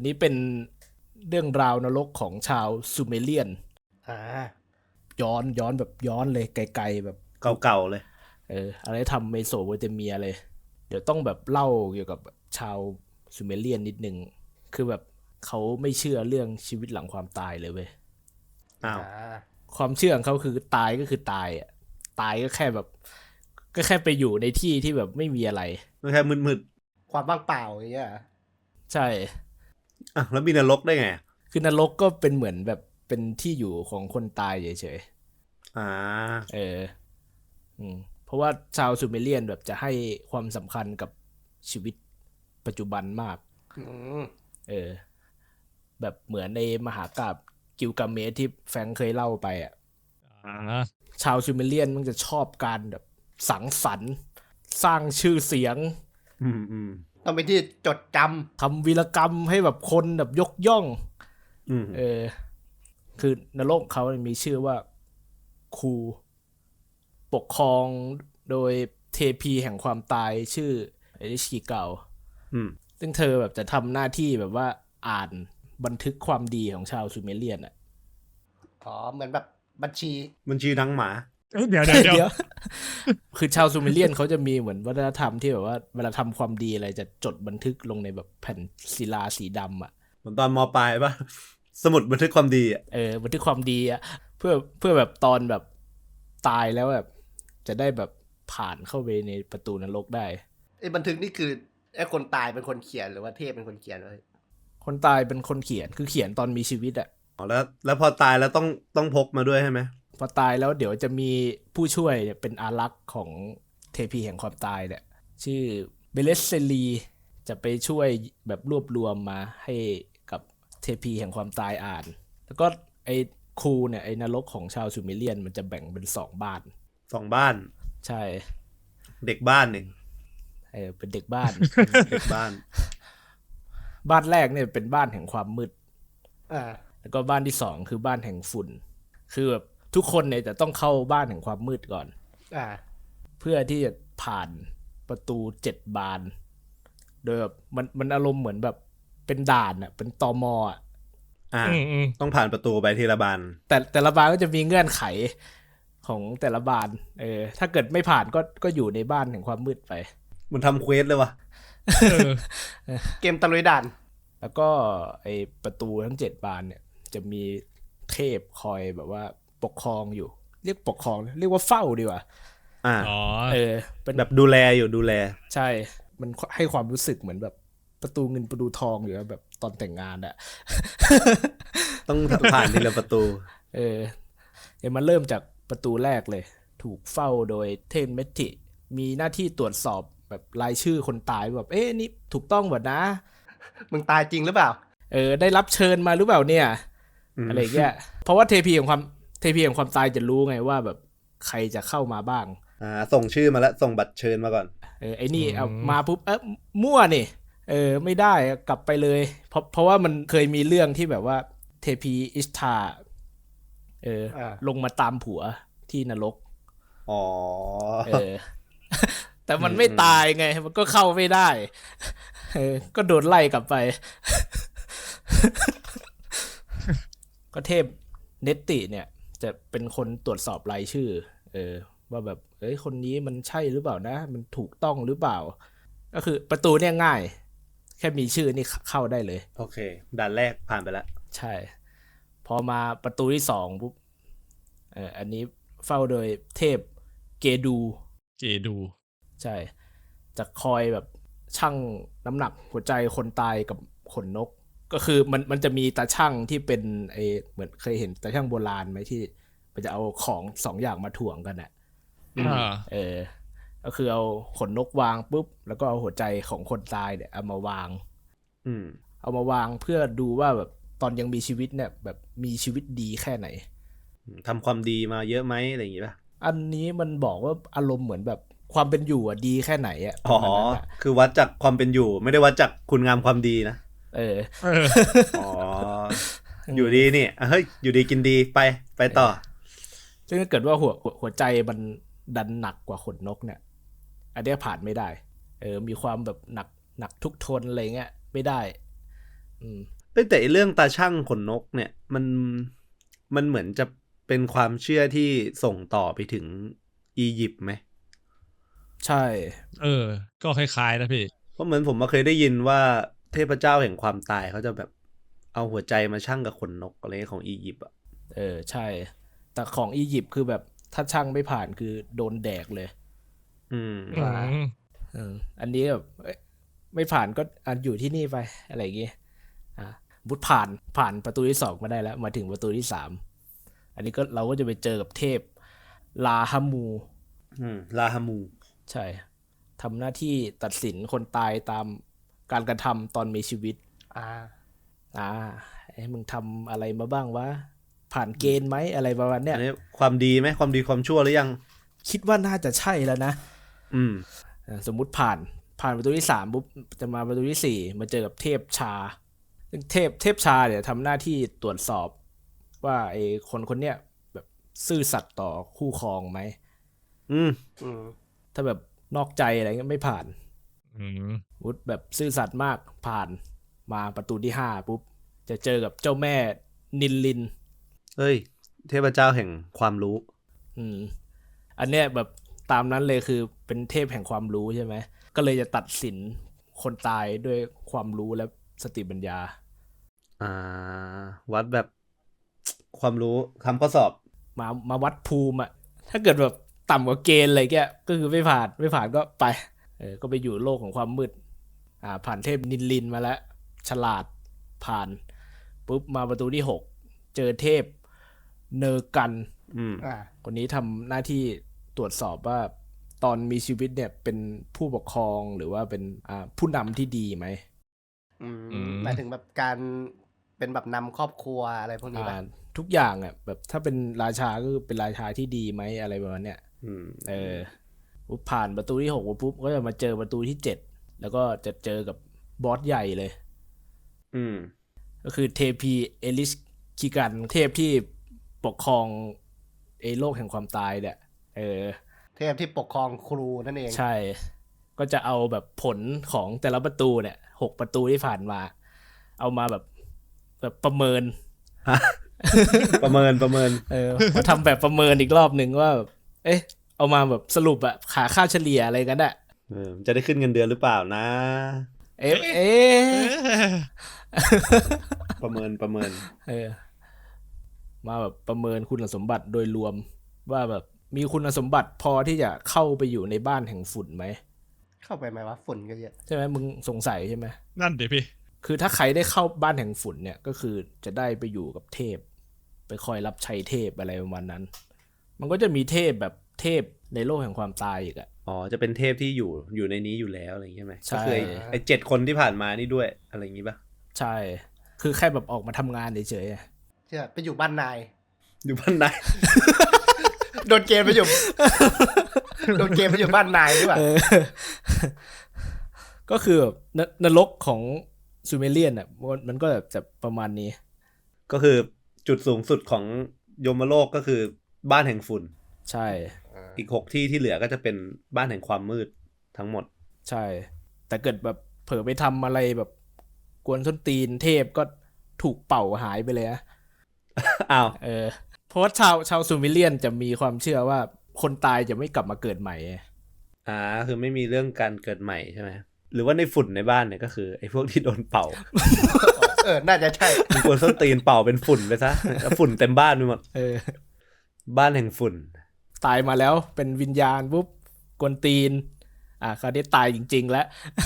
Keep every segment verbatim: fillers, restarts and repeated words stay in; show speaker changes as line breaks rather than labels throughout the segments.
นนี้เป็นเรื่องราวนรกของชาวซูเมเรียน
อ่า
ย้อนย้อนแบบย้อนเลยไกลๆแบบ
เก่าๆเลย
เอออะไรทำเมโสโปเตเมียเลยเดี๋ยวต้องแบบเล่าเกี่ยวกับชาวซูเมเรียนนิดนึงคือแบบเขาไม่เชื่อเรื่องชีวิตหลังความตายเลยเว้ย
อ้าว
ความเชื่อของเขาคือตายก็คือตายอ่ะตายก็แค่แบบก็แค่ไปอยู่ในที่ที่แบบไม่มีอะไร
ก็แค่มืด
ความว่างเปล่าอย่างเงี้ย
ใช่
ๆอ่ะแล้วมีนรกได้ไง
คือนรกก็เป็นเหมือนแบบเป็นที่อยู่ของคนตายเฉย
ๆอ่า
เอออืมเพราะว่าชาวซูเมเรียนแบบจะให้ความสำคัญกับชีวิตปัจจุบันมากเออแบบเหมือนในมหากาพย์กิลกาเมชที่แฟรงค์เคยเล่าไปอ่ะชาวซูเมเรียนมันจะชอบการแบบสังสรรค์สร้างชื่อเสียง
อืมอืม
ต้องเป็นที่จดจ
ำทำวีรกรรมให้แบบคนแบบยกย่อง
อืม
เออคือนรกเขามีชื่อว่าคูปกครองโดยเทพีแห่งความตายชื่อเอริชิเกาซึ่งเธอแบบจะทำหน้าที่แบบว่าอ่านบันทึกความดีของชาวซูเมเรียนอ่ะ
อ๋อเหมือนแบบบัญชี
บัญชีทั้งหมา
เดี๋ยวเดี๋ยวเดี๋ยว
คือชาวซูเมเรียนเขาจะมีเหมือนวัฒนธรรมที่แบบว่าเวลาทำความดีอะไรจะจดบันทึกลงในแบบแผ่นศิลาสีดำอ่ะ
เหมือนตอนม.ปลายป่ะสมุดบันทึกความดีอ่ะ
เออบันทึกความดีอ่ะเพื่อเพื่อแบบตอนแบบตายแล้วแบบจะได้แบบผ่านเข้าไปในประตูนรกได้
ไอ้บันทึกนี่คือไอ้คนตายเป็นคนเขียนหรือว่าเทพเป็นคนเขียนไว้
คนตายเป็นคนเขียนคือเขียนตอนมีชีวิตอ่ะ
อ๋อแล้วแล้วพอตายแล้วต้องต้องพกมาด้วยใช่ไหม
พอตายแล้วเดี๋ยวจะมีผู้ช่วยเนี่ยเป็นอารักษ์ของเทพีแห่งความตายเนี่ยชื่อเบเลสเซลีจะไปช่วยแบบรวบรวมมาให้กับเทพีแห่งความตายอ่านแล้วก็ไอ้คูเนี่ยไอ้นรกของชาวซูเมเรียนมันจะแบ่งเป็นสองบ้าน
สองบ้าน
ใช่
เด็กบ้านหนึ่ง
เออเป็นเด็กบ้าน
เด็กบ้าน
บ้านแรกเนี่ยเป็นบ้านแห่งความมืด
อ่า
แล้วก็บ้านที่สองคือบ้านแห่งฝุ่นคือแบบทุกคนเนี่ยจะต้องเข้าบ้านแห่งความมืดก่อน
อ่า
เพื่อที่จะผ่านประตูเจ็ดบานโดยแบบมันมันอารมณ์เหมือนแบบเป็นด่านอ่ะเป็นตมอ่ะ
อ่าต้องผ่านประตูไปทีละบาน
แต่แต่ละบานก็จะมีเงื่อนไขของแต่ละบานเออถ้าเกิดไม่ผ่านก็ก็อยู่ในบ้านแห่งความมืดไป
มันทำเควสเลยวะ
เกมตะลุยด่าน
แล้วก็ไอประตูทั้งเจ็ดบานเนี่ยจะมีเทพคอยแบบว่าปกครองอยู่เรียกปกครองเรียกว่าเฝ้าดีกว่า
อ่า
เออเป็น
แบบดูแลอยู่ดูแล
ใช่มันให้ความรู้สึกเหมือนแบบประตูเงินประตูทองอยู่แบบตอนแต่งงานอะ
ต้องผ่านทีละประตู
เออเดี๋ยวมันเริ่มจากประตูแรกเลยถูกเฝ้าโดยเทนเมทิมีหน้าที่ตรวจสอบแบบรายชื่อคนตายแบบเอ๊ะนี่ถูกต้องหมดนะ
มึงตายจริงหรือเปล่า
เออได้รับเชิญมาหรือเปล่าเนี่ยอะไรเงี้ยเพราะว่าเทพีของความเทพีของความตายจะรู้ไงว่าแบบใครจะเข้ามาบ้าง
อ่าส่งชื่อมาแล้วส่งบัตรเชิญมาก่อน
เออไอ้นี่เอามาปุ๊บเออมั่วนี่เออไม่ได้กลับไปเลยเพราะเพราะว่ามันเคยมีเรื่องที่แบบว่าเทพีอิสทาเออลงมาตามผัวที่นรก
อ๋อ
เออแต่มันไม่ตายไงมันก็เข้าไม่ได้เออก็โดนไล่กลับไปก็เทพเนตติเนี่ยจะเป็นคนตรวจสอบรายชื่อเออว่าแบบเอ้ยคนนี้มันใช่หรือเปล่านะมันถูกต้องหรือเปล่าก็คือประตูเนี่ยง่ายแค่มีชื่อนี่เข้าได้เลย
โอเคด่านแรกผ่านไปแล้ว
ใช่พอมาประตูที่สองปุ๊บเอออันนี้เฝ้าโดยเทพเกดู
เกดู
ใช่จะคอยแบบชั่งน้ำหนักหัวใจคนตายกับขนนกก็คือมันมันจะมีตาชั่งที่เป็นไอเหมือนเคยเห็นตาชั่งโบราณไหมที่มันจะเอาของสองอย่างมาถ่วงกันอ่ะเออก็คือเอาขนนกวางปุ๊บแล้วก็เอาหัวใจของคนตายเนี่ยเอามาวาง
อืม
เอามาวางเพื่อดูว่าแบบตอนยังมีชีวิตเนี่ยแบบมีชีวิตดีแค่ไหน
ทำความดีมาเยอะไหมอะไรอย่างงี้ป่ะ
อันนี้มันบอกว่าอารมณ์เหมือนแบบความเป็นอยู่อ่ะดีแค่ไหนอ่ะ
อ๋อคือวัดจากความเป็นอยู่ไม่ได้วัดจากคุณงามความดีนะ
เออ
อ๋ออยู่ดีนี่เฮ้ยอยู่ดีกินดีไปไปต่อ
ซึ่งถ้าเกิดว่าหัวหัวใจมันดันหนักกว่าขนนกเนี่ยอันนี้ผ่านไม่ได้เออมีความแบบหนักหนักทุกทนอะไรเงี้ยไม่ได้อืม
เอ้ยแต่ไอ้เรื่องตาช่างขนนกเนี่ยมันมันเหมือนจะเป็นความเชื่อที่ส่งต่อไปถึงอียิปต์ไหม
ใช่
เออ ก็คล้ายๆนะพี่
เพราะเหมือนผมมาเคยได้ยินว่าเทพเจ้าแห่งความตายเขาจะแบบเอาหัวใจมาชั่งกับขนนกอะไรของอียิปต์อ่ะ
เออใช่ แต่ของอียิปต์คือแบบถ้าช่างไม่ผ่านคือโดนแดกเลย
อืม
อืม
เอออันนี้แบบเอ้ยไม่ผ่านก็อ่ะอยู่ที่นี่ไปอะไรอย่างงี้อ่ะบุตผ่านผ่านประตูที่สองมาได้แล้วมาถึงประตูที่สามอันนี้ก็เราก็จะไปเจอกับเทพลาฮามู
อืมลาฮามู
ใช่ทำหน้าที่ตัดสินคนตายตามการกระทำตอนมีชีวิต
อ่า
อ่าไอ้มึงทำอะไรมาบ้างวะผ่านเกณฑ์ไหมอะไรประมาณเนี้ย
อันนี้ความดีไหมความดีความชั่วหรือยัง
คิดว่าน่าจะใช่แล้วนะ
อืม
อ่าสมมุติผ่านผ่านประตูที่สามปุ๊บจะมาประตูที่สี่มาเจอกับเทพชาซึ่งเทพเทพชาเนี่ยทำหน้าที่ตรวจสอบว่าไอ้คนคนเนี้ยแบบซื่อสัตย์ต่อคู่ครองไหม
อืม
อืม
ถ้าแบบนอกใจอะไรเงี้ยไม่ผ่าน
อืม
วุฒแบบซื่อสัตย์มากผ่านมาประตูที่ห้าปุ๊บจะเจอกับเจ้าแม่นิลลิน
เฮ้ย เทพเจ้าแห่งความรู้
อืมอันเนี้ยแบบตามนั้นเลยคือเป็นเทพแห่งความรู้ใช่ไหมก็เลยจะตัดสินคนตายด้วยความรู้และสติปัญญา
อ่า วัดแบบความรู้ทำข้อสอบ
มามาวัดภูมิอะถ้าเกิดแบบต่ำกว่าเกณฑ์อะไรแกก็คือไม่ผ่านไม่ผ่านก็ไปเออก็ไปอยู่โลกของความมืดอ่าผ่านเทพนิลลินมาแล้วฉลาดผ่านปุ๊บมาประตูที่หกเจอเทพเนอร์กัน
อืม
อ่า
คนนี้ทำหน้าที่ตรวจสอบว่าตอนมีชีวิตเนี่ยเป็นผู้ปกครองหรือว่าเป็นอ่าผู้นำที่ดีไหม
อืม
อืม
หมายถึงแบบการเป็นแบบนำครอบครัวอะไรพวกนี้ป่ะ
อ่าทุกอย่างอ่ะแบบถ้าเป็นราชาก็คือเป็นราชาที่ดีไหมอะไรประมาณเนี้ย
อืม
เออปุ๊บผ่านประตูที่หกปุ๊บก็จะมาเจอประตูที่เจ็ดแล้วก็จะเจอกับบอสใหญ่เลย
อืม
ก็คือเทพีเอลิสคิกันเทพที่ปกครองไอ้โลกแห่งความตายเนี่ยเออ
เทพที่ปกครองครูนั่นเอง
ใช่ ก็จะเอาแบบผลของแต่ละประตูเนี่ยหกประตูที่ผ่านมา เอามาแบบแบบประเมิน
ประเมินประเมิน
เออมาทำแบบประเมินอีกรอบหนึ่งว่าแบบเอ๊ะ เอามาแบบสรุปอะขาค่าเฉลี่ยอะไรกันอะ
เออจะได้ขึ้นเงินเดือนหรือเปล่านะ
เอ๊ะเอ๊ะ
ประเมินประเมิน
เออ มาแบบประเมินคุณสมบัติโดยรวมว่าแบบมีคุณสมบัติพอที่จะเข้าไปอยู่ในบ้านแห่งฝุ่นไหม
เข้าไปไหมวะฝุ่นก็เยอะ
ใช่ไหมมึงสงสัยใช่ไหม
นั่นเดี๋ยวพี่
คือถ้าใครได้เข้าบ้านแห่งฝุ่นเนี่ยก็คือจะได้ไปอยู่กับเทพ ไปคอยรับใช้เทพอะไรประมาณนั้น มันก็จะมีเทพแบบเทพในโลกแห่งความตายอีกอะ
อ๋อ จะเป็นเทพที่อยู่อยู่ในนี้อยู่แล้วอะไรอย่างงี้ใช่ไหม
ใช่
ก็คือไอ้ไอ้เจ็ดคนที่ผ่านมานี่ด้วยอะไรอย่างงี้ป่ะ
ใช่ คือแค่แบบออกมาทำงานเฉยๆอะ
เชื่อไปอยู่บ้านนาย
อยู่บ้านไหน
โดนเกณฑ์ไปอยู่ โดนเกณฑ์ไปอยู่บ้านนายด้วยป่ะ
เออ ก็คือแบบนนรกของซูเมเรียนอ่ะมันมันก็แบบจะประมาณนี้
ก็คือจุดสูงสุดของยมโลกก็คือบ้านแห่งฝุ่น
ใช่
อีกหกที่ที่เหลือก็จะเป็นบ้านแห่งความมืดทั้งหมด
ใช่ แต่เกิดแบบเผลอไปทำอะไรแบบกวนส้นตีนเทพก็ถูกเป่าหายไปเลยนะ
อ้าว
เออ เพราะว่าชาวชาวซูเมเรียนจะมีความเชื่อว่าคนตายจะไม่กลับมาเกิดใหม่
อ่า คือไม่มีเรื่องการเกิดใหม่ใช่ไหม หรือว่าในฝุ่นในบ้านเนี่ยก็คือไอ้พวกที่โดนเป่า
เออ น่าจะใช่
มันควรส้นตีนเป่าเป็นฝุ่นไปซะแล้วฝุ่นเต็มบ้านไปหมด
เออ
บ้านแห่งฝุ่น
ตายมาแล้วเป็นวิญญาณปุ๊บกวนตีน อ่ะคราวนี้ตายจริง ๆ แล้ว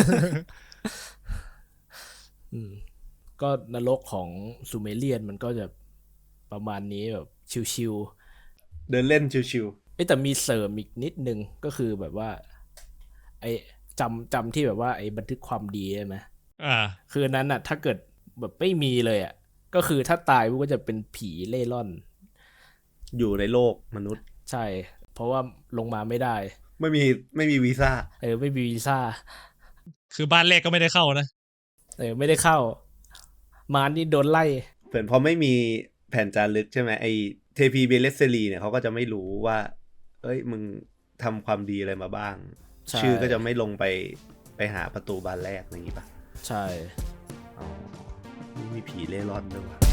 อืมก็นรกของซูเมเรียนมันก็จะประมาณนี้แบบชิว
เดินเล่นชิว
ๆเอ้ยแต่มีเสริมอีกนิดนึงก็คือแบบว่า ไอ้จำจำที่แบบว่าไอ้บันทึกความดีใช่ไหม
อ่า
คืออันนั้นอ่ะ ถ้าเกิดแบบไม่มีเลยอ่ะ ก็คือถ้าตายปุ๊บก็จะเป็นผีเล่ร่อน
ๆ อยู่ในโลกมนุษย์
ใช่ เพราะว่าลงมาไม่ได้
ไม่มีไม่มีวีซ่า
เออไม่มีวีซ่า
คือบ้านแรกก็ไม่ได้เข้านะ
เออไม่ได้เข้า มานี่โดนไล่
เผื่อพอไม่มีแผ่นจารึกใช่ไหมไอเทพีเบเลสเซรีเนี่ยเขาก็จะไม่รู้ว่า เอ้ยมึงทำความดีอะไรมาบ้าง
ใช่
ชื่อก็จะไม่ลงไปไปหาประตูบานแรกอย่างนี้ป่ะ
ใช่
อ๋อผีเล่ร่อนด้วยวะ